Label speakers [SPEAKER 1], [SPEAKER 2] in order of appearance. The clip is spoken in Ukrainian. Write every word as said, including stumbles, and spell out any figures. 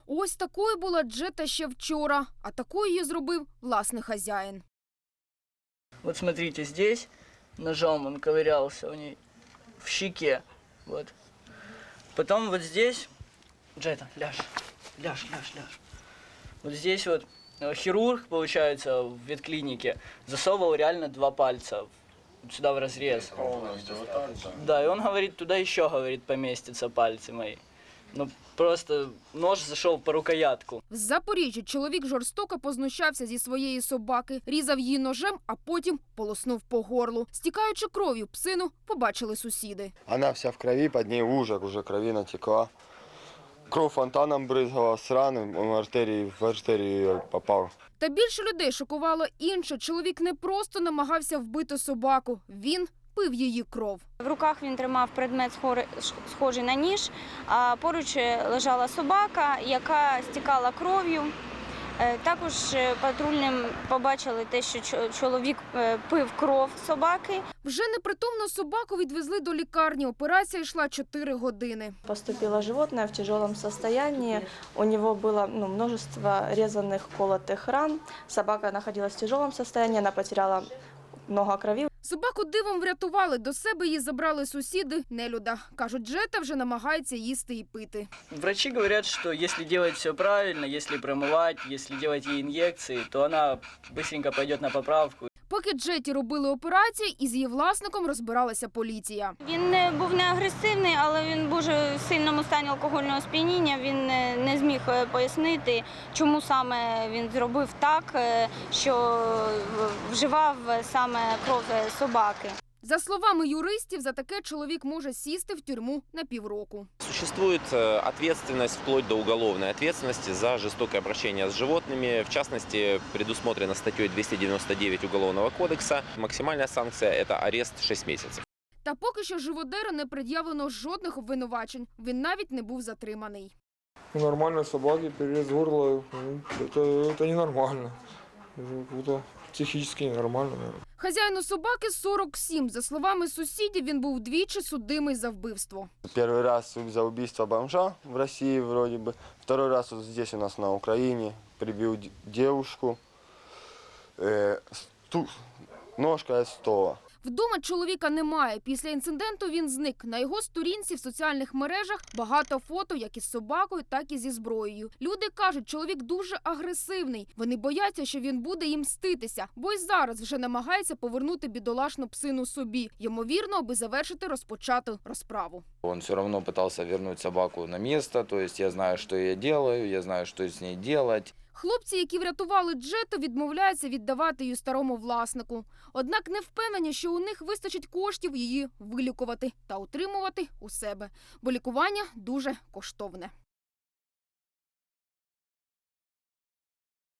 [SPEAKER 1] Ось такою була Джета ще вчора, а такою її зробив власний хазяїн.
[SPEAKER 2] Вот смотрите, здесь ножом он ковырялся у ней в щеке. Вот. Потом вот здесь... Джета, ляжь, ляжь, ляжь, ляжь. Вот здесь вот хирург, получается, в ветклинике засовывал реально два пальца сюда в разрез. Да, и он говорит, туда еще, говорит, поместятся пальцы мои. Ну, просто нож зайшов по рукоятку.
[SPEAKER 1] В Запоріжжі чоловік жорстоко познущався зі своєї собаки, різав її ножем, а потім полоснув по горлу. Стікаючи кров'ю, псину побачили сусіди.
[SPEAKER 3] Она вся в крови, под ней лужа, уже крови натекла. Кров фонтаном брызгала с раны, он в артерии, в артерию попал.
[SPEAKER 1] Та більше людей шокувало інше. Чоловік не просто намагався вбити собаку, він пив її кров.
[SPEAKER 4] В руках він тримав предмет, схожий на ніж, а поруч лежала собака, яка стікала кров'ю. Також патрульним побачили те, що чоловік пив кров собаки.
[SPEAKER 1] Вже непритомну собаку відвезли до лікарні. Операція йшла чотири години.
[SPEAKER 5] Поступило животное в тяжелом состоянии. У него было ну, множество резаных, колотых ран. Собака находилась в тяжелом состоянии, она потеряла много крови.
[SPEAKER 1] Собаку дивом врятували, до себе її забрали сусіди нелюда. Кажуть, Джета вже намагається їсти і пити.
[SPEAKER 2] Врачи говорят, что если делать все правильно, если промывать, если делать ей инъекции, то она быстренько пойдет на поправку.
[SPEAKER 1] Поки Джеті робили операцію, із її власником розбиралася поліція.
[SPEAKER 4] Він був не агресивний, але він був в сильному стані алкогольного сп'яніння. Він не зміг пояснити, чому саме він зробив так, що вживав саме кров собаки.
[SPEAKER 1] За словами юристів, за таке чоловік може сісти в тюрму на півроку.
[SPEAKER 6] Существует ответственность, вплоть до уголовной ответственности за жестокое обращение с животными. В частности, предусмотрено статьей двести девяносто девять Уголовного кодекса. Максимальная санкция – это арест шесть месяцев.
[SPEAKER 1] Та поки що живодеру не пред'явлено жодних обвинувачень. Він навіть не був затриманий.
[SPEAKER 7] У нормальной собаки перерез горла, ну, это, это ненормально. Это психически ненормально, наверное.
[SPEAKER 1] Хазяїну собаки сорок сім. За словами сусідів, він був двічі судимий за вбивство.
[SPEAKER 3] Первый раз за убийство бомжа в России вроде бы. Второй раз вот здесь у нас на Украине прибил девушку. Э, сту... Ножка от стола.
[SPEAKER 1] Вдома чоловіка немає. Після інциденту він зник. На його сторінці в соціальних мережах багато фото як із собакою, так і зі зброєю. Люди кажуть, чоловік дуже агресивний. Вони бояться, що він буде їм мститися, бо й зараз вже намагається повернути бідолашну псину собі. Ймовірно, аби завершити розпочату розправу.
[SPEAKER 8] Он все равно пытался вернуть собаку на место, то есть я знаю, что я делаю, я знаю, что с ней делать.
[SPEAKER 1] Хлопці, які врятували Джету, відмовляються віддавати її старому власнику. Однак не впевнені, що у них вистачить коштів її вилікувати та утримувати у себе, бо лікування дуже коштовне.